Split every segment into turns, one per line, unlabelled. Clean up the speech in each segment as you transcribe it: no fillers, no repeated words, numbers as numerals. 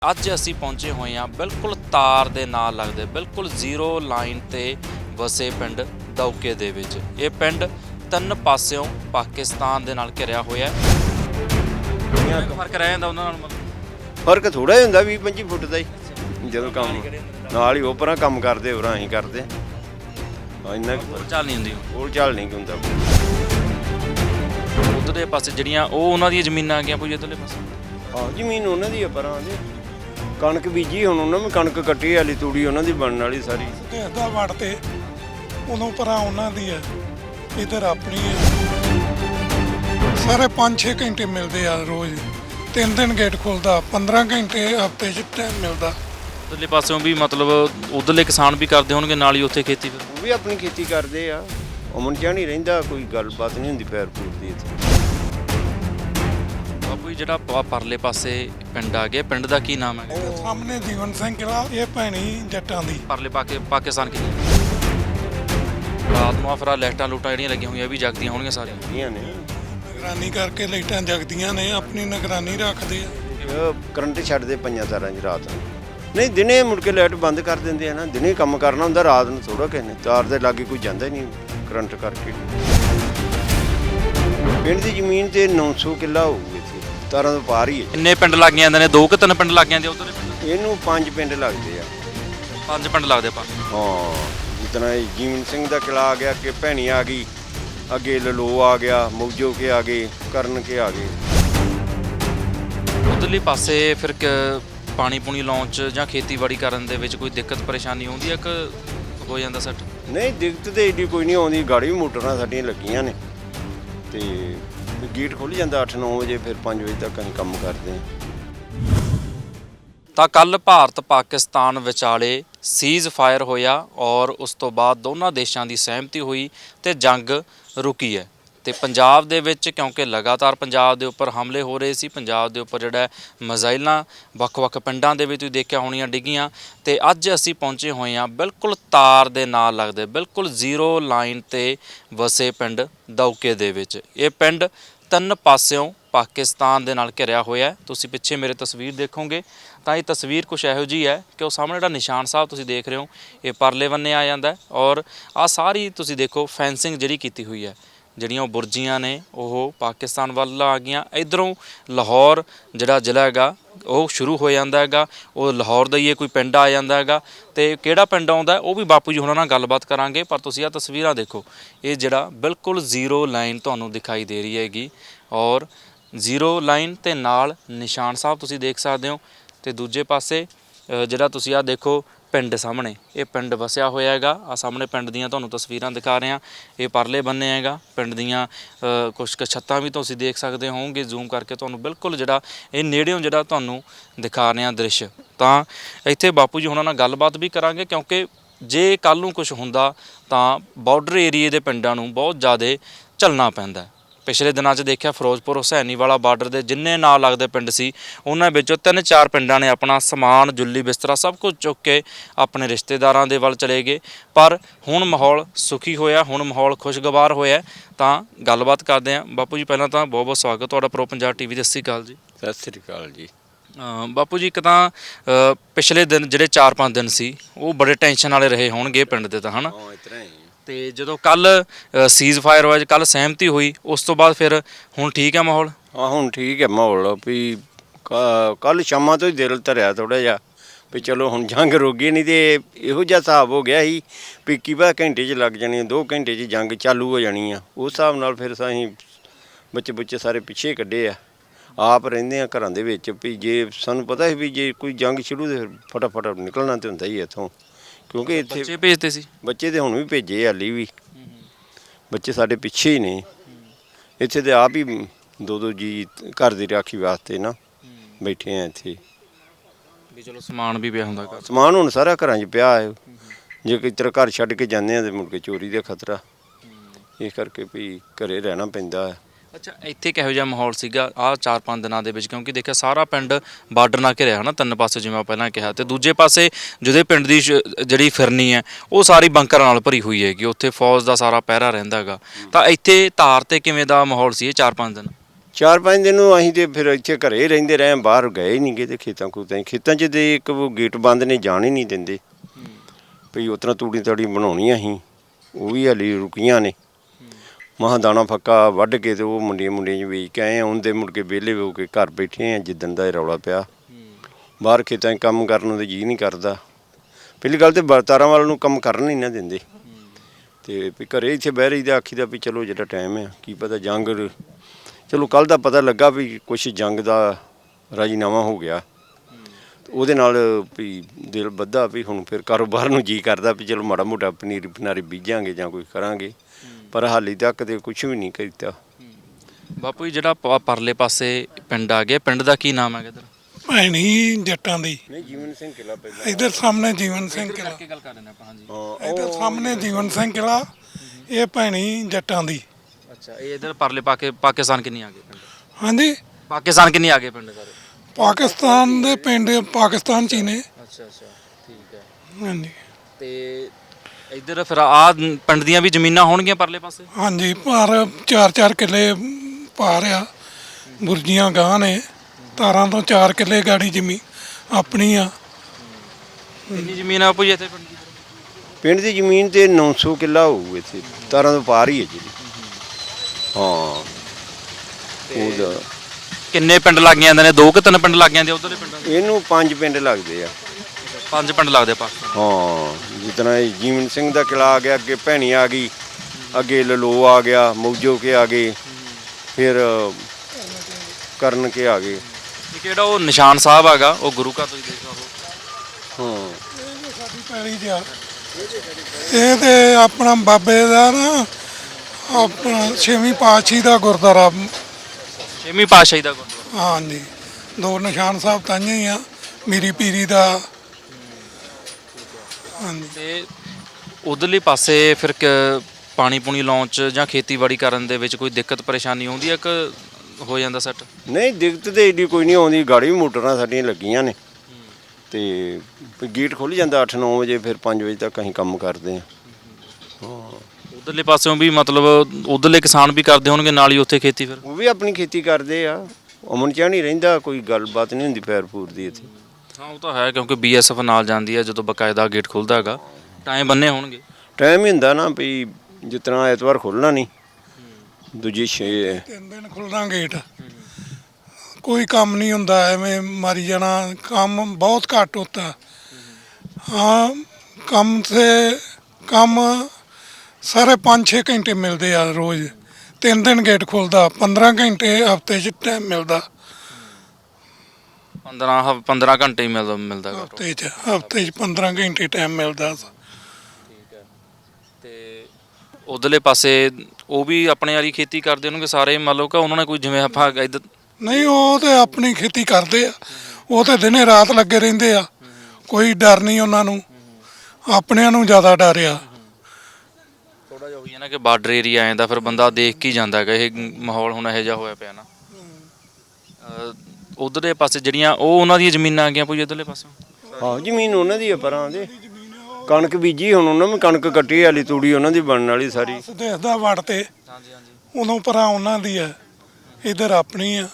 ਅੱਜ ਅਸੀਂ ਪਹੁੰਚੇ ਹੋਏ ਹਾਂ ਬਿਲਕੁਲ ਤਾਰ ਦੇ ਨਾਲ ਲੱਗਦੇ ਬਿਲਕੁਲ ਜ਼ੀਰੋ ਲਾਈਨ ਤੇ ਵਸੇ ਪਿੰਡ ਦੌਕੇ ਦੇ ਵਿੱਚ। ਇਹ ਪਿੰਡ ਤਿੰਨ ਪਾਸਿਓਂ ਪਾਕਿਸਤਾਨ ਦੇ ਨਾਲ ਘਿਰਿਆ ਹੋਇਆ ਹੈ। ਫਰਕ ਰਹਿ ਜਾਂਦਾ ਉਹਨਾਂ ਨਾਲ?
ਫਰਕ ਥੋੜਾ ਹੀ ਹੁੰਦਾ 20-25 ਫੁੱਟ ਦਾ ਹੀ। ਜਦੋਂ ਕੰਮ ਨਾਲ ਹੀ ਉਪਰਾਂ ਕੰਮ ਕਰਦੇ ਹੋਰਾਂ ਅਸੀਂ ਕਰਦੇ ਇੰਨਾ
ਚਾਲ ਨਹੀਂ ਹੁੰਦੀ,
ਉਹ ਚਾਲ ਨਹੀਂ ਹੁੰਦਾ।
ਉਧਰਲੇ ਪਾਸੇ ਜਿਹੜੀਆਂ ਉਹ ਉਹਨਾਂ ਦੀਆਂ ਜ਼ਮੀਨਾਂ ਆ ਗਈਆਂ ਕੋਈ ਇੱਧਰਲੇ ਪਾਸੇ?
ਹਾਂ ਜ਼ਮੀਨ ਉਹਨਾਂ ਦੀ ਆ ਪਰਾਂ ਦੇ। ਕਣਕ ਬੀਜੀ ਹੁਣ ਉਹਨਾਂ ਵੀ ਕਣਕ ਕੱਟੀ ਵਾਲੀ ਤੂੜੀ ਉਹਨਾਂ ਦੀ ਬਣਨ ਵਾਲੀ ਸਾਰੀ।
ਅੱਧਾ ਵੜ ਤੇ ਉਦੋਂ ਪਰਾਂ ਉਹਨਾਂ ਦੀ ਹੈ, ਇੱਧਰ ਆਪਣੀ ਹੈ। ਸਾਰੇ 5-6 ਘੰਟੇ ਮਿਲਦੇ ਆ ਰੋਜ਼। 3 ਦਿਨ ਗੇਟ ਖੁੱਲਦਾ, 15 ਘੰਟੇ ਹਫ਼ਤੇ 'ਚ ਟਾਈਮ ਮਿਲਦਾ।
ਉਧਰਲੇ ਪਾਸਿਓਂ ਵੀ ਮਤਲਬ ਉਧਰਲੇ ਕਿਸਾਨ ਵੀ ਕਰਦੇ ਹੋਣਗੇ ਨਾਲ ਹੀ ਉੱਥੇ ਖੇਤੀ? ਫਿਰ
ਉਹ ਵੀ ਆਪਣੀ ਖੇਤੀ ਕਰਦੇ ਆ। ਅਮਨ ਚਾਹ ਨਹੀਂ ਰਹਿੰਦਾ, ਕੋਈ ਗੱਲਬਾਤ ਨਹੀਂ ਹੁੰਦੀ ਪੈਰ ਪੂਰ ਦੀ ਇੱਥੇ।
ਬਾਪੂ ਜੀ ਜਿਹੜਾ ਪਰਲੇ ਪਾਸੇ ਪਿੰਡ ਆ ਗਿਆ, ਪਿੰਡ ਦਾ ਕੀ ਨਾਮ ਹੈ?
ਸਾਹਮਣੇ ਜੀਵਨ ਸਿੰਘ ਕਿਲਾ, ਇਹ ਭੈਣੀ ਜੱਟਾਂ ਦੀ।
ਪਰਲੇ ਪਾਕਿਸਤਾਨ ਕੀ ਰਾਤ ਨੂੰ ਫਿਰ ਲਾਈਟਾਂ ਲੂਟਾਂ ਜਿਹੜੀਆਂ ਲੱਗੀਆਂ ਹੋਈਆਂ ਵੀ ਜਗਦੀਆਂ ਹੋਣਗੀਆਂ ਸਾਰੀਆਂ?
ਨੇ
ਨਿਗਰਾਨੀ ਕਰਕੇ ਲਾਈਟਾਂ ਜਗਦੀਆਂ ਨੇ, ਆਪਣੀ ਨਿਗਰਾਨੀ ਰੱਖਦੇ ਆ।
ਕਰੰਟ ਛੱਡਦੇ ਪੰਜਾਂ ਤਾਰਾਂ 'ਚ ਰਾਤ ਨੂੰ। ਨਹੀਂ ਦਿਨੇ ਮੁੜ ਕੇ ਲਾਈਟ ਬੰਦ ਕਰ ਦਿੰਦੇ ਆ ਨਾ। ਦਿਨੇ ਕੰਮ ਕਰਨਾ ਹੁੰਦਾ, ਰਾਤ ਨੂੰ ਥੋੜਾ ਕਿਸੇ ਨੇ। ਤਾਰ ਦੇ ਲਾਗੇ ਕੋਈ ਜਾਂਦਾ ਹੀ ਨਹੀਂ ਕਰੰਟ ਕਰਕੇ। ਪਿੰਡ ਦੀ ਜ਼ਮੀਨ ਤੇ 900 ਕਿੱਲਾ ਹੋਊਗੀ ਇੱਥੇ, ਤਾਰਾਂ ਤੋਂ ਪਾਰ ਹੀ ਹੈ।
ਕਿੰਨੇ ਪਿੰਡ ਲੱਗ ਜਾਂਦੇ ਨੇ? 2 ਕਿ 3 ਪਿੰਡ ਲੱਗ ਜਾਂਦੇ ਉਧਰਲੇ ਪਿੰਡ?
ਇਹਨੂੰ 5 ਪਿੰਡ ਲੱਗਦੇ ਆ।
5 ਪਿੰਡ ਲੱਗਦੇ ਪਾ?
ਹਾਂ, ਜਿਤਨਾ ਜੀਵਨ ਸਿੰਘ ਦਾ ਕਿਲਾ ਆ ਗਿਆ, ਕਿ ਭੈਣੀ ਆ ਗਈ, ਅੱਗੇ ਲਲੋ ਆ ਗਿਆ, ਮੌਜੋ ਕੇ ਆ ਗਏ, ਕਰਨ ਕੇ ਆ ਗਏ।
ਉਧਰਲੇ ਪਾਸੇ ਫਿਰ ਪਾਣੀ ਪੂਣੀ ਲਾਉਣ 'ਚ ਜਾਂ ਖੇਤੀਬਾੜੀ ਕਰਨ ਦੇ ਵਿੱਚ ਕੋਈ ਦਿੱਕਤ ਪਰੇਸ਼ਾਨੀ ਆਉਂਦੀ ਹੈ ਕਿ ਹੋ ਜਾਂਦਾ ਸੈੱਟ? ਨਹੀਂ,
ਦਿੱਕਤ ਤੇ ਏਡੀ ਕੋਈ ਨਹੀਂ ਆਉਂਦੀ। ਗਾੜੀ ਮੋਟਰਾਂ ਸਾਡੀਆਂ ਲੱਗੀਆਂ ਨੇ ਤੇ ਗੇਟ ਖੁੱਲ੍ਹ ਜਾਂਦਾ 8-9 ਵਜੇ, ਫਿਰ 5 ਵਜੇ ਤੱਕ ਅਸੀਂ ਕੰਮ ਕਰਦੇ ਹਾਂ।
ਤਾਂ ਕੱਲ੍ਹ ਭਾਰਤ ਪਾਕਿਸਤਾਨ ਵਿਚਾਲੇ ਸੀਜ਼ ਫਾਇਰ ਹੋਇਆ ਔਰ ਉਸ ਤੋਂ ਬਾਅਦ ਦੋਨਾਂ ਦੇਸ਼ਾਂ ਦੀ ਸਹਿਮਤੀ ਹੋਈ ਤੇ ਜੰਗ ਰੁਕੀ ਹੈ। ਤੇ ਪੰਜਾਬ ਦੇ ਵਿੱਚ ਕਿਉਂਕਿ ਲਗਾਤਾਰ ਪੰਜਾਬ ਦੇ ਉੱਪਰ ਹਮਲੇ ਹੋ ਰਹੇ ਸੀ, ਪੰਜਾਬ ਦੇ ਉੱਪਰ ਜਿਹੜਾ ਮਿਜ਼ਾਈਲਾਂ ਵੱਖ-ਵੱਖ ਪਿੰਡਾਂ ਦੇ ਵਿੱਚ ਤੁਸੀਂ ਦੇਖਿਆ ਹੋਣੀਆਂ ਡਿੱਗੀਆਂ। ਤੇ ਅੱਜ ਅਸੀਂ ਪਹੁੰਚੇ ਹੋਏ ਹਾਂ ਬਿਲਕੁਲ ਤਾਰ ਦੇ ਨਾਲ ਲੱਗਦੇ ਬਿਲਕੁਲ ਜ਼ੀਰੋ ਲਾਈਨ ਤੇ ਵਸੇ ਪਿੰਡ ਦੌਕੇ ਦੇ ਵਿੱਚ। ਇਹ ਪਿੰਡ ਤਿੰਨ ਪਾਸਿਓਂ ਪਾਕਿਸਤਾਨ ਦੇ ਨਾਲ ਘਿਰਿਆ ਹੋਇਆ। ਤੁਸੀਂ ਪਿੱਛੇ ਮੇਰੇ ਤਸਵੀਰ ਦੇਖੋਗੇ ਤਾਂ ਇਹ ਤਸਵੀਰ ਕੁਛ ਇਹੋ ਜਿਹੀ ਹੈ ਕਿ ਉਹ ਸਾਹਮਣੇ ਜਿਹੜਾ ਨਿਸ਼ਾਨ ਸਾਹਿਬ ਤੁਸੀਂ ਦੇਖ ਰਹੇ ਹੋ, ਇਹ ਪਰਲੇ ਬੰਨੇ ਆ ਜਾਂਦਾ ਔਰ ਆਹ ਸਾਰੀ ਤੁਸੀਂ ਦੇਖੋ ਫੈਂਸਿੰਗ ਜਿਹੜੀ ਕੀਤੀ ਹੋਈ ਹੈ, ਜਿਹੜੀਆਂ ਉਹ ਬੁਰਜੀਆਂ ਨੇ ਉਹ ਪਾਕਿਸਤਾਨ ਵੱਲ ਆ ਗਈਆਂ। ਇੱਧਰੋਂ ਲਾਹੌਰ ਜਿਹੜਾ ਜ਼ਿਲ੍ਹਾ ਹੈਗਾ ਉਹ ਸ਼ੁਰੂ ਹੋ ਜਾਂਦਾ ਹੈਗਾ, ਉਹ ਲਾਹੌਰ ਦਾ ਹੀ ਇਹ ਕੋਈ ਪਿੰਡ ਆ ਜਾਂਦਾ ਹੈਗਾ। ਤੇ ਕਿਹੜਾ ਪਿੰਡ ਆਉਂਦਾ ਉਹ ਵੀ ਬਾਪੂ ਜੀ ਹੁਣਾਂ ਨਾਲ ਗੱਲਬਾਤ ਕਰਾਂਗੇ। ਪਰ ਤੁਸੀਂ ਆਹ ਤਸਵੀਰਾਂ ਦੇਖੋ, ਇਹ ਜਿਹੜਾ ਬਿਲਕੁਲ ਜ਼ੀਰੋ ਲਾਈਨ ਤੁਹਾਨੂੰ ਦਿਖਾਈ ਦੇ ਰਹੀ ਹੈਗੀ ਔਰ ਜ਼ੀਰੋ ਲਾਈਨ ਤੇ ਨਾਲ ਨਿਸ਼ਾਨ ਸਾਹਿਬ ਤੁਸੀਂ ਦੇਖ ਸਕਦੇ ਹੋ। ਤੇ ਦੂਜੇ ਪਾਸੇ ਜਿਹੜਾ ਤੁਸੀਂ ਆਹ ਦੇਖੋ ਪਿੰਡ ਸਾਹਮਣੇ, ਇਹ ਪਿੰਡ ਵਸਿਆ ਹੋਇਆ ਹੈਗਾ। ਆ ਸਾਹਮਣੇ ਪਿੰਡ ਦੀਆਂ ਤੁਹਾਨੂੰ ਤਸਵੀਰਾਂ ਦਿਖਾ ਰਹੇ ਹਾਂ। ਇਹ ਪਰਲੇ ਬੰਨੇ ਹੈਗਾ ਪਿੰਡ ਦੀਆਂ ਕੁਛ ਕੁ ਛੱਤਾਂ ਵੀ ਤੁਸੀਂ ਦੇਖ ਸਕਦੇ ਹੋਵੋਗੇ ਜ਼ੂਮ ਕਰਕੇ ਤੁਹਾਨੂੰ ਬਿਲਕੁਲ ਜਿਹੜਾ ਇਹ ਨੇੜਿਓਂ ਜਿਹੜਾ ਤੁਹਾਨੂੰ ਦਿਖਾ ਰਹੇ ਹਾਂ ਦ੍ਰਿਸ਼। ਤਾਂ ਇੱਥੇ ਬਾਪੂ ਜੀ ਹੁਣਾਂ ਨਾਲ ਗੱਲਬਾਤ ਵੀ ਕਰਾਂਗੇ ਕਿਉਂਕਿ ਜੇ ਕੱਲ੍ਹ ਨੂੰ ਕੁਛ ਹੁੰਦਾ ਤਾਂ ਬਾਰਡਰ ਏਰੀਏ ਦੇ ਪਿੰਡਾਂ ਨੂੰ ਬਹੁਤ ਜ਼ਿਆਦਾ ਝੱਲਣਾ ਪੈਂਦਾ। ਪਿਛਲੇ ਦਿਨਾਂ 'ਚ ਦੇਖਿਆ ਫਿਰੋਜ਼ਪੁਰ ਹੁਸੈਨੀ ਵਾਲਾ ਬਾਰਡਰ ਦੇ ਜਿੰਨੇ ਨਾਲ ਲੱਗਦੇ ਪਿੰਡ ਸੀ ਉਹਨਾਂ ਵਿੱਚੋਂ 3-4 ਪਿੰਡਾਂ ਨੇ ਆਪਣਾ ਸਮਾਨ, ਜੁੱਲੀ ਬਿਸਤਰਾ ਸਭ ਕੁਝ ਚੁੱਕ ਕੇ ਆਪਣੇ ਰਿਸ਼ਤੇਦਾਰਾਂ ਦੇ ਵੱਲ ਚਲੇ ਗਏ। ਪਰ ਹੁਣ ਮਾਹੌਲ ਸੁਖੀ ਹੋਇਆ, ਹੁਣ ਮਾਹੌਲ ਖੁਸ਼ਗਵਾਰ ਹੋਇਆ। ਤਾਂ ਗੱਲਬਾਤ ਕਰਦੇ ਹਾਂ। ਬਾਪੂ ਜੀ ਪਹਿਲਾਂ ਤਾਂ ਬਹੁਤ ਬਹੁਤ ਸਵਾਗਤ ਤੁਹਾਡਾ ਪ੍ਰੋ ਪੰਜਾਬ TV ਦੇ। ਸਤਿ ਸ਼੍ਰੀ ਅਕਾਲ ਜੀ।
ਸਤਿ ਸ੍ਰੀ ਅਕਾਲ ਜੀ।
ਬਾਪੂ ਜੀ, ਇੱਕ ਤਾਂ ਪਿਛਲੇ ਦਿਨ ਜਿਹੜੇ 4-5 ਦਿਨ ਸੀ ਉਹ ਬੜੇ ਟੈਨਸ਼ਨ ਵਾਲੇ ਰਹੇ ਹੋਣਗੇ ਪਿੰਡ ਦੇ ਤਾਂ, ਹੈ ਨਾ? ਤੇ ਜਦੋਂ ਕੱਲ੍ਹ ਸੀਜ਼ ਫਾਇਰ ਹੋਇਆ, ਕੱਲ੍ਹ ਸਹਿਮਤੀ ਹੋਈ, ਉਸ ਤੋਂ ਬਾਅਦ ਫਿਰ ਹੁਣ ਠੀਕ ਹੈ ਮਾਹੌਲ?
ਹਾਂ ਹੁਣ ਠੀਕ ਹੈ ਮਾਹੌਲ। ਵੀ ਕੱਲ੍ਹ ਸ਼ਾਮਾਂ ਤੋਂ ਹੀ ਦਿਲ ਧਰਿਆ ਥੋੜ੍ਹਾ ਜਿਹਾ ਵੀ ਚਲੋ ਹੁਣ ਜੰਗ ਰੁਕ ਗਈ। ਨਹੀਂ ਤੇ ਇਹੋ ਜਿਹਾ ਹਿਸਾਬ ਹੋ ਗਿਆ ਸੀ ਵੀ ਕਿਵਾ ਘੰਟੇ 'ਚ ਲੱਗ ਜਾਣੀ, 2 ਘੰਟੇ 'ਚ ਜੰਗ ਚਾਲੂ ਹੋ ਜਾਣੀ ਆ। ਉਸ ਹਿਸਾਬ ਨਾਲ ਫਿਰ ਅਸੀਂ ਬੱਚੇ ਸਾਰੇ ਪਿੱਛੇ ਕੱਢੇ ਆ। ਆਪ ਰਹਿੰਦੇ ਆ ਘਰਾਂ ਦੇ ਵਿੱਚ ਵੀ ਜੇ ਸਾਨੂੰ ਪਤਾ ਸੀ ਵੀ ਜੇ ਕੋਈ ਜੰਗ ਸ਼ੁਰੂ ਤੇ ਫਟਾਫਟ ਨਿਕਲਣਾ ਤਾਂ ਹੁੰਦਾ ਹੀ ਇੱਥੋਂ, ਕਿਉਂਕਿ ਇੱਥੇ
ਬੱਚੇ ਭੇਜਦੇ ਸੀ।
ਬੱਚੇ ਤੇ ਹੁਣ ਵੀ ਭੇਜੇ ਹਾਲੀ ਵੀ, ਬੱਚੇ ਸਾਡੇ ਪਿੱਛੇ ਹੀ ਨੇ। ਇੱਥੇ ਤੇ ਆਪ ਹੀ 2-2 ਜੀ ਘਰ ਦੀ ਰਾਖੀ ਵਾਸਤੇ ਨਾ ਬੈਠੇ ਆ ਇੱਥੇ।
ਵੀ ਚਲੋ ਸਮਾਨ ਵੀ ਪਿਆ ਹੁੰਦਾ ਘਰ?
ਸਮਾਨ ਹੁਣ ਸਾਰਾ ਘਰਾਂ 'ਚ ਪਿਆ ਹੈ। ਜੇ ਕਿਸ ਤਰ੍ਹਾਂ ਘਰ ਛੱਡ ਕੇ ਜਾਂਦੇ ਆ ਤੇ ਮੁੜ ਕੇ ਚੋਰੀ ਦਾ ਖਤਰਾ, ਇਸ ਕਰਕੇ ਵੀ ਘਰੇ ਰਹਿਣਾ ਪੈਂਦਾ ਹੈ।
ਅੱਛਾ, ਇੱਥੇ ਕਿਹੋ ਜਿਹਾ ਮਾਹੌਲ ਸੀਗਾ ਆਹ 4-5 ਦਿਨਾਂ ਦੇ ਵਿੱਚ? ਕਿਉਂਕਿ ਦੇਖਿਆ ਸਾਰਾ ਪਿੰਡ ਬਾਰਡਰ ਨਾਲ ਘਿਰਿਆ ਹੈ ਨਾ, 3 ਪਾਸੇ ਜਿਵੇਂ ਮੈਂ ਪਹਿਲਾਂ ਕਿਹਾ। ਤੇ ਦੂਜੇ ਪਾਸੇ ਜਿਹਦੇ ਪਿੰਡ ਦੀ ਜਿਹੜੀ ਫਿਰਨੀ ਹੈ ਉਹ ਸਾਰੀ ਬੰਕਰਾਂ ਨਾਲ ਭਰੀ ਹੋਈ ਹੈਗੀ, ਉੱਥੇ ਫੌਜ ਦਾ ਸਾਰਾ ਪਹਿਰਾ ਰਹਿੰਦਾ ਹੈਗਾ। ਤਾਂ ਇੱਥੇ ਧਾਰ 'ਤੇ ਕਿਵੇਂ ਦਾ ਮਾਹੌਲ ਸੀ ਇਹ 4-5 ਦਿਨ?
4-5 ਦਿਨ ਨੂੰ ਅਸੀਂ ਤੇ ਫਿਰ ਇੱਥੇ ਘਰੇ ਰਹਿੰਦੇ ਰਹੇ, ਬਾਹਰ ਗਏ ਨਹੀਂ ਗੇ ਤੇ ਖੇਤਾਂ 'ਚ ਤੇ ਇੱਕ ਉਹ ਗੇਟ ਬੰਦ ਨੇ, ਜਾਣ ਹੀ ਨਹੀਂ ਦਿੰਦੇ ਭਈ ਉਸ ਤਰ੍ਹਾਂ ਤੂੜੀ ਤਾੜੀ ਬਣਾਉਣੀ ਅਸੀਂ, ਉਹ ਵੀ ਹਾਲੇ ਰੁਕੀਆਂ ਨੇ। ਮਹਾਂ ਦਾਣਾ ਫੱਕਾ ਵੱਢ ਕੇ ਤੇ ਉਹ ਮੁੰਡੀਆਂ 'ਚ ਵੇਚ ਕੇ ਆਏ, ਆਉਂਦੇ ਮੁੜ ਕੇ ਵਿਹਲੇ ਹੋ ਕੇ ਘਰ ਬੈਠੇ ਆ। ਜਿੱਦਣ ਦਾ ਇਹ ਰੌਲਾ ਪਿਆ ਬਾਹਰ ਖੇਤਾਂ 'ਚ ਕੰਮ ਕਰਨ ਨੂੰ ਤਾਂ ਜੀਅ ਨਹੀਂ ਕਰਦਾ। ਪਹਿਲੀ ਗੱਲ ਤੇ ਤਾਰਾਂ ਵਾਲ ਨੂੰ ਕੰਮ ਕਰਨ ਨਹੀਂ ਨਾ ਦਿੰਦੇ, ਤੇ ਵੀ ਘਰੇ ਇੱਥੇ ਬਹਿ ਰਹੀ ਦਾ ਆਖੀ ਦਾ ਵੀ ਚਲੋ ਜਿਹੜਾ ਟਾਈਮ ਆ ਕੀ ਪਤਾ ਜੰਗ, ਚਲੋ ਕੱਲ੍ਹ ਦਾ ਪਤਾ ਲੱਗਾ ਵੀ ਕੁਛ ਜੰਗ ਦਾ ਰਾਜੀਨਾਮਾ ਹੋ ਗਿਆ, ਉਹਦੇ ਨਾਲ ਵੀ ਦਿਲ ਬੱਧਾ ਵੀ ਹੁਣ ਫਿਰ ਕਾਰੋਬਾਰ ਨੂੰ ਜੀਅ ਕਰਦਾ ਵੀ ਚਲੋ ਮਾੜਾ ਮੋਟਾ ਪਨੀਰ ਪਨਾਰੀ ਬੀਜਾਂਗੇ ਜਾਂ ਕੋਈ ਕਰਾਂਗੇ, ਪਰ ਹਾਲੇ ਤੱਕ ਤੇ ਕੁਛ ਵੀ ਨਹੀਂ ਕੀਤਾ।
ਬਾਪੂ ਜੀ ਜਿਹੜਾ ਪਰਲੇ ਪਾਸੇ ਪਿੰਡ ਆ ਗਿਆ, ਪਿੰਡ ਦਾ ਕੀ ਨਾਮ ਹੈ ਇੱਧਰ?
ਭੈਣੀ ਜੱਟਾਂ ਦੀ।
ਨਹੀਂ ਜੀਵਨ ਸਿੰਘ ਕਿਲਾ ਪਹਿਲਾਂ
ਇਧਰ ਸਾਹਮਣੇ ਜੀਵਨ ਸਿੰਘ ਕਿਲਾ,
ਗੱਲ ਕਰ ਰਹੇ ਨੇ ਆਪਾਂ। ਹਾਂਜੀ
ਇਧਰ ਸਾਹਮਣੇ ਜੀਵਨ ਸਿੰਘ ਕਿਲਾ, ਇਹ ਭੈਣੀ ਜੱਟਾਂ ਦੀ।
ਅੱਛਾ, ਇਹ ਇਧਰ ਪਰਲੇ ਪਾਕਿਸਤਾਨ ਕਿੰਨੀ ਆ ਗਏ ਪਿੰਡ?
ਹਾਂਜੀ,
ਪਾਕਿਸਤਾਨ ਕਿੰਨੀ ਆ ਗਏ ਪਿੰਡ ਸਾਰੇ?
ਪਾਕਿਸਤਾਨ ਦੇ ਪਿੰਡ ਪਾਕਿਸਤਾਨ 'ਚ ਹੀ ਨੇ।
ਅੱਛਾ ਠੀਕ ਹੈ।
ਹਾਂਜੀ
ਤੇ ਇਧਰ ਫਿਰ ਆ ਪਿੰਡ ਦੀਆਂ ਵੀ ਜ਼ਮੀਨਾਂ ਹੋਣਗੀਆਂ ਪਰਲੇ ਪਾਸੇ?
ਹਾਂਜੀ, ਪਰ 4-4 ਕਿੱਲੇ ਪਾਰ ਆ, ਬੁਰਜੀਆਂ ਗਾਂ ਨੇ, ਤਾਰਾਂ ਤੋਂ 4 ਕਿੱਲੇ ਗਾੜੀ ਜ਼ਮੀਨ ਆਪਣੀ ਆ।
ਕਿੰਨੀ ਜ਼ਮੀਨ ਆ ਬਾਪੂ ਜੀ ਇੱਥੇ ਪਿੰਡ ਦੀ?
ਪਿੰਡ ਦੀ ਜ਼ਮੀਨ ਤੇ 900 ਕਿੱਲਾ ਹੋਊ ਇੱਥੇ, ਤਾਰਾਂ ਤੋਂ ਪਾਰ ਹੀ ਹੈ ਜਿਹੜੀ। ਹਾਂ ਉਹਦਾ
ਕਿੰਨੇ ਪਿੰਡ ਲੱਗ ਜਾਂਦੇ ਨੇ? 2 ਕਿ 3 ਪਿੰਡ ਲੱਗ ਜਾਂਦੇ ਉਧਰਲੇ ਪਿੰਡਾਂ ਦੇ?
ਇਹਨੂੰ 5 ਪਿੰਡ ਲੱਗਦੇ ਆ।
5 ਪਿੰਡ ਲੱਗਦੇ ਪਾਕਿਸਤਾਨ?
ਹਾਂ, ਜਿਸ ਤਰ੍ਹਾਂ ਇਹ ਜੀਵਨ ਸਿੰਘ ਦਾ ਕਿਲਾ ਆ ਗਿਆ, ਅੱਗੇ ਭੈਣੀ ਆ ਗਈ, ਅੱਗੇ ਲਲੋ ਆ ਗਿਆ, ਮੌਜੋ ਕੇ ਆ ਗਏ, ਫਿਰ ਕਰਨ ਕੇ ਆ ਗਏ।
ਕਿਹੜਾ ਉਹ ਨਿਸ਼ਾਨ ਸਾਹਿਬ ਹੈਗਾ, ਉਹ ਗੁਰੂ ਘਰ ਤੋਂ ਹੀ ਦੇਖਦਾ ਉਹ?
ਹਾਂ
ਸਾਡੀ ਪੈਲੀ ਜਿਹਾ ਇਹ ਤੇ ਆਪਣਾ ਬਾਬੇ ਦਾ ਨਾ, ਆਪਣਾ 6ਵੀਂ ਪਾਤਸ਼ਾਹੀ ਦਾ ਗੁਰਦੁਆਰਾ।
6ਵੀਂ ਪਾਤਸ਼ਾਹੀ ਦਾ ਗੁਰਦੁਆਰਾ?
ਹਾਂਜੀ, 2 ਨਿਸ਼ਾਨ ਸਾਹਿਬ ਤਾਂਹੀਓ ਹੀ ਆ, ਮੀਰੀ ਪੀਰੀ ਦਾ। ਹਾਂਜੀ,
ਤੇ ਉਧਰਲੇ ਪਾਸੇ ਫਿਰ ਪਾਣੀ ਪੂਣੀ ਲਾਉਣ 'ਚ ਜਾਂ ਖੇਤੀਬਾੜੀ ਕਰਨ ਦੇ ਵਿੱਚ ਕੋਈ ਦਿੱਕਤ ਪਰੇਸ਼ਾਨੀ ਆਉਂਦੀ ਹੈ ਕਿ ਹੋ ਜਾਂਦਾ ਸੈੱਟ?
ਨਹੀਂ, ਦਿੱਕਤ ਤੇ ਏਡੀ ਕੋਈ ਨਹੀਂ ਆਉਂਦੀ, ਗਾੜੀ ਮੋਟਰਾਂ ਸਾਡੀਆਂ ਲੱਗੀਆਂ ਨੇ ਤੇ ਗੇਟ ਖੁੱਲ੍ਹ ਜਾਂਦਾ 8-9 ਵਜੇ, ਫਿਰ 5 ਵਜੇ ਤੱਕ ਅਸੀਂ ਕੰਮ ਕਰਦੇ ਹਾਂ। ਹਾਂ,
ਉਧਰਲੇ ਪਾਸਿਓਂ ਵੀ ਮਤਲਬ ਉਧਰਲੇ ਕਿਸਾਨ ਵੀ ਕਰਦੇ ਹੋਣਗੇ ਨਾਲ ਹੀ ਉੱਥੇ ਖੇਤੀ? ਫਿਰ
ਉਹ ਵੀ ਆਪਣੀ ਖੇਤੀ ਕਰਦੇ ਆ, ਅਮਨ ਚਾਹ ਨਹੀਂ ਰਹਿੰਦਾ, ਕੋਈ ਗੱਲਬਾਤ ਨਹੀਂ ਹੁੰਦੀ ਪੈਰ ਪੂਰ ਦੀ ਇੱਥੇ।
ਹਾਂ ਉਹ ਤਾਂ ਹੈ, ਕਿਉਂਕਿ BSF ਨਾਲ ਜਾਂਦੀ ਹੈ ਜਦੋਂ ਬਕਾਇਦਾ ਗੇਟ ਖੁੱਲ੍ਹਦਾ ਹੈਗਾ। ਟਾਈਮ ਬੰਨੇ ਹੋਣਗੇ?
ਟਾਈਮ ਹੀ ਹੁੰਦਾ ਨਾ ਵੀ ਜਿਸ ਤਰ੍ਹਾਂ ਐਤਵਾਰ ਖੋਲ੍ਹਣਾ ਨਹੀਂ, ਦੂਜੀ
3 ਦਿਨ ਖੁੱਲ੍ਹਣਾ ਗੇਟ, ਕੋਈ ਕੰਮ ਨਹੀਂ ਹੁੰਦਾ, ਐਵੇਂ ਮਾਰੀ ਜਾਣਾ, ਕੰਮ ਬਹੁਤ ਘੱਟ ਹੁੰਦਾ। ਹਾਂ, ਕੰਮ ਸਾਰੇ 5-6 ਘੰਟੇ ਮਿਲਦੇ ਆ ਰੋਜ਼। 3 ਦਿਨ ਗੇਟ ਖੁੱਲ੍ਹਦਾ, 15 ਘੰਟੇ ਹਫਤੇ 'ਚ ਟਾਈਮ ਮਿਲਦਾ।
15 ਘੰਟੇ ਹੀ ਮਿਲਦਾ ਗਾ।
ਹਫਤੇ 'ਚ 15 ਘੰਟੇ ਟਾਈਮ ਮਿਲਦਾ।
ਠੀਕ ਹੈ। ਤੇ ਉਧਰਲੇ ਪਾਸੇ ਉਹ ਵੀ ਆਪਣੇ ਵਾਲੀ ਖੇਤੀ ਕਰਦੇ ਹੋਣਗੇ ਸਾਰੇ, ਮੰਨ ਲਓ ਕਿ ਉਹਨਾਂ ਨੇ ਕੋਈ ਜਿਵੇਂ ਆਪਾਂ ਇੱਧਰ?
ਨਹੀਂ, ਉਹ ਤੇ ਆਪਣੀ ਖੇਤੀ ਕਰਦੇ ਆ, ਉਹ ਤੇ ਦਿਨੇ ਰਾਤ ਲੱਗੇ ਰਹਿੰਦੇ ਆ, ਕੋਈ ਡਰ ਨਹੀਂ ਉਹਨਾਂ ਨੂੰ, ਆਪਣਿਆਂ ਨੂੰ ਜ਼ਿਆਦਾ ਡਰ ਆ।
ਥੋੜਾ ਜਿਹਾ ਹੋਈ ਹੈ ਨਾ ਕਿ ਬਾਰਡਰ ਏਰੀਆ ਆਇਆ ਤਾਂ ਫਿਰ ਬੰਦਾ ਦੇਖ ਕੇ ਹੀ ਜਾਂਦਾ ਹੈਗਾ, ਇਹ ਮਾਹੌਲ ਹੁਣ ਇਹੋ ਜਿਹਾ ਹੋਇਆ ਪਿਆ ਨਾ। ਉਧਰਲੇ ਪਾਸੇ ਜਿਹੜੀਆਂ ਉਹ ਉਹਨਾਂ ਦੀਆਂ ਜ਼ਮੀਨਾਂ ਆ ਗਈਆਂ ਕੋਈ ਉਧਰਲੇ ਪਾਸੇ?
ਹਾਂ, ਜ਼ਮੀਨ ਉਹਨਾਂ ਦੀ ਆ ਪਰਾਂ ਦੇ, ਕਣਕ ਬੀਜੀ, ਹੁਣ ਉਹਨਾਂ ਵੀ ਕਣਕ ਕੱਟੀ ਵਾਲੀ, ਤੂੜੀ ਉਹਨਾਂ ਦੀ ਬਣਨ ਵਾਲੀ ਸਾਰੀ।
ਦੇਖਦਾ ਵੜ ਤੇ ਉਦੋਂ ਪਰਾਂ ਉਹਨਾਂ ਦੀ ਆ, ਇੱਧਰ ਆਪਣੀ ਆ।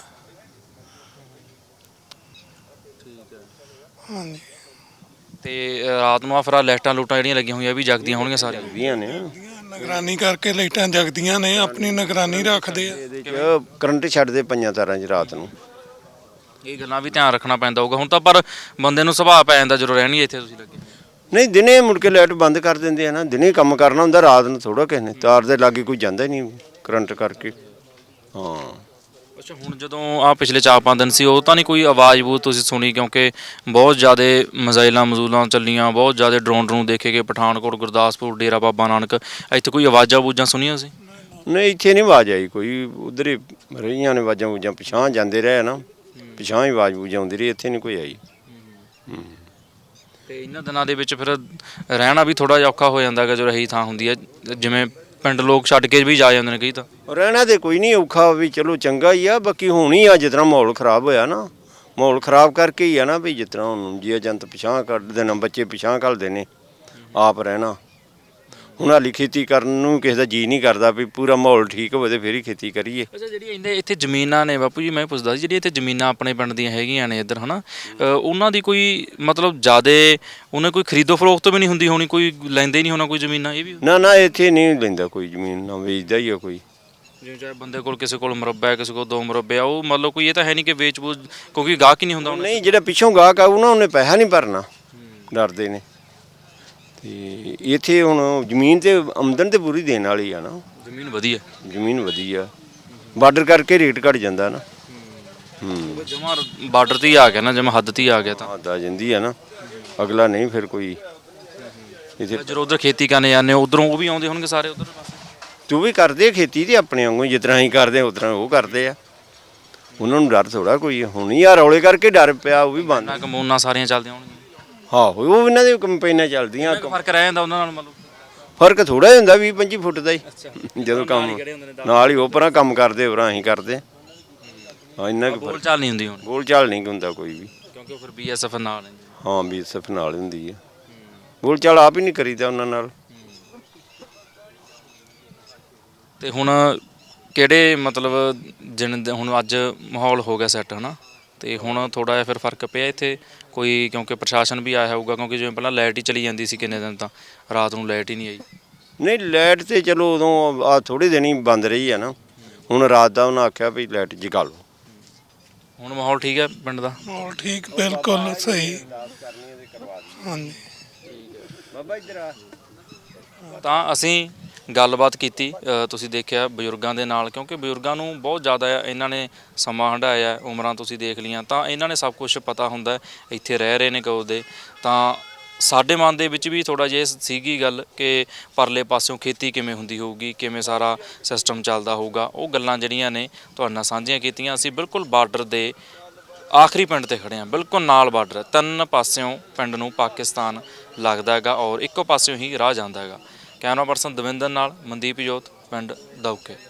ਹਾਂਜੀ,
ਤੇ ਰਾਤ ਨੂੰ ਆ ਫਿਰ ਲਾਈਟਾਂ ਲੂਟਾਂ ਜਿਹੜੀਆਂ ਲੱਗੀਆਂ ਹੋਈਆਂ ਵੀ ਜਗਦੀਆਂ ਹੋਣਗੀਆਂ ਸਾਰੀਆਂ?
ਵੀਆਂ ਨੇ
ਨਿਗਰਾਨੀ ਕਰਕੇ ਲਾਈਟਾਂ ਜਗਦੀਆਂ ਨੇ, ਆਪਣੀ ਨਿਗਰਾਨੀ ਰੱਖਦੇ ਆ।
ਇਹਦੇ 'ਚ ਕਰੰਟ ਛੱਡਦੇ ਪਈਆਂ ਤਾਰਾਂ 'ਚ ਰਾਤ ਨੂੰ।
ਇਹ ਗੱਲਾਂ ਵੀ ਧਿਆਨ ਰੱਖਣਾ ਪੈਂਦਾ ਹੋਊਗਾ ਹੁਣ ਤਾਂ, ਪਰ ਬੰਦੇ ਨੂੰ ਸੁਭਾਅ ਪੈ ਜਾਂਦਾ ਜਦੋਂ ਰਹਿਣੀ ਇੱਥੇ ਤੁਸੀਂ ਲੱਗੇ।
ਨਹੀਂ, ਦਿਨੇ ਮੁੜ ਕੇ ਲਾਈਟ ਬੰਦ ਕਰ ਦਿੰਦੇ ਆ ਨਾ, ਦਿਨੇ ਕੰਮ ਕਰਨਾ ਹੁੰਦਾ, ਰਾਤ ਨੂੰ ਥੋੜਾ ਕਿਸੇ ਨੇ, ਤਾਰ ਦੇ ਲਾਗੇ ਕੋਈ ਜਾਂਦਾ ਹੀ ਨਹੀਂ ਕਰੰਟ ਕਰਕੇ। ਹਾਂ।
ਅੱਛਾ, ਹੁਣ ਜਦੋਂ ਆ ਪਿਛਲੇ 4-5 ਦਿਨ ਸੀ, ਉਹ ਤਾਂ ਨਹੀਂ ਕੋਈ ਆਵਾਜ਼ ਬੂਜ਼ ਤੁਸੀਂ ਸੁਣੀ? ਕਿਉਂਕਿ ਬਹੁਤ ਜ਼ਿਆਦਾ ਮਜ਼ਾਈਲਾਂ ਚੱਲੀਆਂ, ਬਹੁਤ ਜ਼ਿਆਦਾ ਡਰੋਨ ਦੇਖੇ ਗਏ ਪਠਾਨਕੋਟ, ਗੁਰਦਾਸਪੁਰ, ਡੇਰਾ ਬਾਬਾ ਨਾਨਕ, ਇੱਥੇ ਕੋਈ ਆਵਾਜ਼ਾਂ ਬੂਜ਼ਾਂ ਸੁਣੀਆਂ ਸੀ?
ਨਹੀਂ, ਇੱਥੇ ਨਹੀਂ ਆਵਾਜ਼ ਆਈ ਕੋਈ, ਉਧਰ ਹੀ ਰਹੀਆਂ ਨੇ ਆਵਾਜ਼ਾਂ ਬੂਜ਼ਾਂ, ਪਿਛਾਂਹ ਜਾਂਦੇ ਰਹੇ ਨਾ, ਪਿਛਾਂਹ ਹੀ ਆਵਾਜ਼ ਬੂਝ ਆਉਂਦੀ ਰਹੀ, ਇੱਥੇ ਨਹੀਂ ਕੋਈ ਆਈ।
ਤੇ ਇਹਨਾਂ ਦਿਨਾਂ ਦੇ ਵਿੱਚ ਫਿਰ ਰਹਿਣਾ ਵੀ ਥੋੜਾ ਜਿਹਾ ਔਖਾ ਹੋ ਜਾਂਦਾ ਹੈਗਾ ਜਦੋਂ ਰਹੀ ਥਾਂ ਹੁੰਦੀ ਹੈ, ਜਿਵੇਂ ਪਿੰਡ ਲੋਕ ਛੱਡ ਕੇ ਵੀ ਜਾ ਜਾਂਦੇ ਨੇ ਕਈ ਤਾਂ?
ਰਹਿਣਾ ਤੇ ਕੋਈ ਨਹੀਂ ਔਖਾ, ਵੀ ਚਲੋ ਚੰਗਾ ਹੀ ਆ, ਬਾਕੀ ਹੁਣ ਹੀ ਆ ਜਿਸ ਤਰ੍ਹਾਂ ਮਾਹੌਲ ਖਰਾਬ ਹੋਇਆ ਨਾ, ਮਾਹੌਲ ਖਰਾਬ ਕਰਕੇ ਹੀ ਆ ਨਾ, ਵੀ ਜਿਸ ਤਰ੍ਹਾਂ ਹੁਣ ਜੀ ਏਜੰਟ ਪਿਛਾਂਹ ਕੱਢਦੇ ਨੇ, ਬੱਚੇ ਪਿਛਾਂਹ ਘੱਲਦੇ ਨੇ, ਆਪ ਰਹਿਣਾ ਹੁਣ ਹਾਲੀ ਖੇਤੀ ਕਰਨ ਨੂੰ ਕਿਸੇ ਦਾ ਜੀ ਨਹੀਂ ਕਰਦਾ ਵੀ ਪੂਰਾ ਮਾਹੌਲ ਠੀਕ ਹੋਵੇ ਤੇ ਫਿਰ ਹੀ ਖੇਤੀ ਕਰੀਏ।
ਅੱਛਾ, ਜਿਹੜੀ ਇੱਥੇ ਜ਼ਮੀਨਾਂ ਨੇ ਬਾਪੂ ਜੀ, ਮੈਂ ਪੁੱਛਦਾ ਸੀ, ਜਿਹੜੀ ਇੱਥੇ ਜ਼ਮੀਨਾਂ ਆਪਣੇ ਪਿੰਡ ਦੀਆਂ ਹੈਗੀਆਂ ਨੇ ਇੱਧਰ ਹਨਾ, ਉਹਨਾਂ ਦੀ ਕੋਈ ਮਤਲਬ ਜ਼ਿਆਦਾ ਉਹਨੇ ਕੋਈ ਖਰੀਦੋ ਫਰੋਖਤ ਵੀ ਨਹੀਂ ਹੁੰਦੀ ਹੋਣੀ, ਕੋਈ ਲੈਂਦੇ ਹੀ ਨਹੀਂ ਹੋਣਾ ਕੋਈ ਜ਼ਮੀਨਾਂ, ਇਹ ਵੀ
ਨਾ ਇੱਥੇ ਨਹੀਂ ਲੈਂਦਾ ਕੋਈ ਜ਼ਮੀਨ, ਨਾ ਵੇਚਦਾ ਹੀ ਆ ਕੋਈ।
ਜਿਵੇਂ ਚਾਹੇ ਬੰਦੇ ਕੋਲ ਕਿਸੇ ਕੋਲ ਮੁਰੱਬਾ ਹੈ, ਕਿਸੇ ਕੋਲ 2 ਮੁਰੱਬੇ ਆ, ਉਹ ਮਤਲਬ ਕੋਈ ਇਹ ਤਾਂ ਹੈ ਨਹੀਂ ਕਿ ਵੇਚ ਬੂਝ, ਕਿਉਂਕਿ ਗਾਹਕ ਹੀ ਨਹੀਂ ਹੁੰਦਾ
ਨਹੀਂ, ਜਿਹੜਾ ਪਿੱਛੋਂ ਗਾਹਕ ਆਊ ਨਾ ਉਹਨੇ ਪੈਸਾ ਨਹੀਂ ਭਰਨਾ, ਡਰਦੇ ਨੇ। ਤੇ ਇੱਥੇ ਹੁਣ ਜ਼ਮੀਨ ਤੇ ਆਮਦਨ ਤੇ ਪੂਰੀ ਦੇਣ ਵਾਲੀ ਆ ਨਾ,
ਜ਼ਮੀਨ ਵਧੀਆ,
ਜ਼ਮੀਨ ਵਧੀਆ, ਬਾਰਡਰ ਕਰਕੇ ਰੇਟ ਘਟ ਜਾਂਦਾ ਨਾ।
ਜਮਾ ਬਾਰਡਰ ਤੇ ਹੀ ਆ ਗਿਆ ਨਾ, ਜਮਾ ਹੱਦ ਤੇ ਹੀ ਆ ਗਿਆ ਤਾਂ
ਹੱਦ ਆ ਜਾਂਦੀ ਆ ਨਾ, ਅਗਲਾ ਨਹੀਂ ਫਿਰ ਕੋਈ ਇੱਥੇ।
ਜਦੋਂ ਉਧਰ ਖੇਤੀ ਕਰਨੇ ਜਾਂਦੇ ਉਧਰੋਂ ਉਹ ਵੀ ਆਉਂਦੇ ਹੋਣਗੇ ਸਾਰੇ ਉਧਰ ਪਾਸੇ।
ਤੂੰ ਵੀ ਕਰਦੇ ਖੇਤੀ ਤੇ ਆਪਣੇ ਵਾਂਗੂ, ਜਿਸ ਤਰ੍ਹਾਂ ਅਸੀਂ ਕਰਦੇ ਉਸ ਤਰ੍ਹਾਂ ਉਹ ਕਰਦੇ ਆ, ਉਹਨਾਂ ਨੂੰ ਡਰ ਥੋੜਾ ਕੋਈ। ਹੁਣ ਹੀ ਆ ਰੌਲੇ ਕਰਕੇ ਡਰ ਪਿਆ, ਉਹ ਵੀ ਬੰਦ।
ਨਾ ਕਮੂਨਾ ਸਾਰੀਆਂ ਚੱਲਦੀਆਂ ਹੋਣਗੀਆਂ,
ਹਾਂ ਉਹ ਇਹਨਾਂ ਦੀ ਕੰਪੇਨਾਂ ਚੱਲਦੀਆਂ।
ਫਰਕ ਰਹਿ ਜਾਂਦਾ ਉਹਨਾਂ ਨਾਲ ਮਤਲਬ,
ਫਰਕ ਥੋੜਾ ਹੁੰਦਾ 20-25 ਫੁੱਟ ਦਾ ਹੀ, ਜਦੋਂ ਕੰਮ ਨਾਲ ਹੀ ਉਹ ਪਰਾਂ ਕੰਮ ਕਰਦੇ ਹੋਰਾਂ ਅਸੀਂ ਕਰਦੇ। ਹਾਂ, ਇੰਨਾ ਕੁ
ਬੋਲ ਚਾਲ ਨਹੀਂ ਹੁੰਦੀ ਹੁਣ,
ਬੋਲ ਚਾਲ ਨਹੀਂ ਹੁੰਦਾ ਕੋਈ ਵੀ,
ਕਿਉਂਕਿ ਉਹ ਫਿਰ BSF ਨਾਲ ਹੈ।
ਹਾਂ BSF ਨਾਲ ਹੁੰਦੀ ਹੈ, ਬੋਲ ਚਾਲ ਆਪ ਹੀ ਨਹੀਂ ਕਰੀਦਾ ਉਹਨਾਂ ਨਾਲ।
ਤੇ ਹੁਣ ਕਿਹੜੇ ਮਤਲਬ ਹੁਣ ਅੱਜ ਮਾਹੌਲ ਹੋ ਗਿਆ ਸੈੱਟ ਹਨਾ, ਤੇ ਹੁਣ ਥੋੜਾ ਜਿਹਾ ਫਿਰ ਫਰਕ ਪਿਆ ਇੱਥੇ ਕੋਈ, ਕਿਉਂਕਿ ਪ੍ਰਸ਼ਾਸਨ ਵੀ ਆਇਆ ਹੋਊਗਾ, ਕਿਉਂਕਿ ਜਿਵੇਂ ਪਹਿਲਾਂ ਲਾਈਟ ਹੀ ਚਲੀ ਜਾਂਦੀ ਸੀ ਕਿੰਨੇ ਦਿਨ, ਤਾਂ ਰਾਤ ਨੂੰ ਲਾਈਟ ਹੀ ਨਹੀਂ ਆਈ।
ਨਹੀਂ ਲਾਈਟ ਤੇ ਚਲੋ ਉਦੋਂ ਆ ਥੋੜੇ ਦਿਨ ਹੀ ਬੰਦ ਰਹੀ ਆ ਨਾ, ਹੁਣ ਰਾਤ ਦਾ ਉਹਨਾਂ ਆਖਿਆ ਵੀ ਲਾਈਟ ਜਗਾ ਲਓ।
ਹੁਣ ਮਾਹੌਲ ਠੀਕ ਹੈ ਪਿੰਡ ਦਾ?
ਮਾਹੌਲ ਠੀਕ, ਬਿਲਕੁਲ ਸਹੀ। ਹਾਂਜੀ,
ਬਾਬਾ ਇੱਧਰ ਆ।
ਤਾਂ ਅਸੀਂ ਗੱਲਬਾਤ ਕੀਤੀ, ਤੁਸੀਂ ਦੇਖਿਆ ਬਜ਼ੁਰਗਾਂ ਦੇ ਨਾਲ, ਕਿਉਂਕਿ ਬਜ਼ੁਰਗਾਂ ਨੂੰ ਬਹੁਤ ਜ਼ਿਆਦਾ ਇਹਨਾਂ ਨੇ ਸਮਾਂ ਹੰਢਾਇਆ, ਉਮਰਾਂ ਤੁਸੀਂ ਦੇਖ ਲਈਆਂ, ਤਾਂ ਇਹਨਾਂ ਨੇ ਸਭ ਕੁਝ ਪਤਾ ਹੁੰਦਾ, ਇੱਥੇ ਰਹਿ ਰਹੇ ਨੇ ਕਦੋਂ ਦੇ। ਤਾਂ ਸਾਡੇ ਮਨ ਦੇ ਵਿੱਚ ਵੀ ਥੋੜ੍ਹਾ ਜਿਹਾ ਸੀਗੀ ਗੱਲ ਕਿ ਪਰਲੇ ਪਾਸਿਓਂ ਖੇਤੀ ਕਿਵੇਂ ਹੁੰਦੀ ਹੋਊਗੀ, ਕਿਵੇਂ ਸਾਰਾ ਸਿਸਟਮ ਚੱਲਦਾ ਹੋਊਗਾ, ਉਹ ਗੱਲਾਂ ਜਿਹੜੀਆਂ ਨੇ ਤੁਹਾਡੇ ਨਾਲ ਸਾਂਝੀਆਂ ਕੀਤੀਆਂ। ਅਸੀਂ ਬਿਲਕੁਲ ਬਾਰਡਰ ਦੇ ਆਖਰੀ ਪਿੰਡ ਤੇ ਖੜੇ ਹਾਂ, ਬਿਲਕੁਲ ਨਾਲ ਬਾਰਡਰ, 3 ਪਾਸਿਓਂ ਪਿੰਡ ਨੂੰ ਪਾਕਿਸਤਾਨ ਲੱਗਦਾ ਹੈਗਾ ਔਰ ਇੱਕੋ ਪਾਸਿਓਂ ਹੀ ਰਾਹ ਜਾਂਦਾ ਹੈਗਾ। ਕੈਮਰਾ ਪਰਸਨ ਦਵਿੰਦਰ ਨਾਲ ਮਨਦੀਪ ਜੋਤ, ਪਿੰਡ ਦੌਕੇ।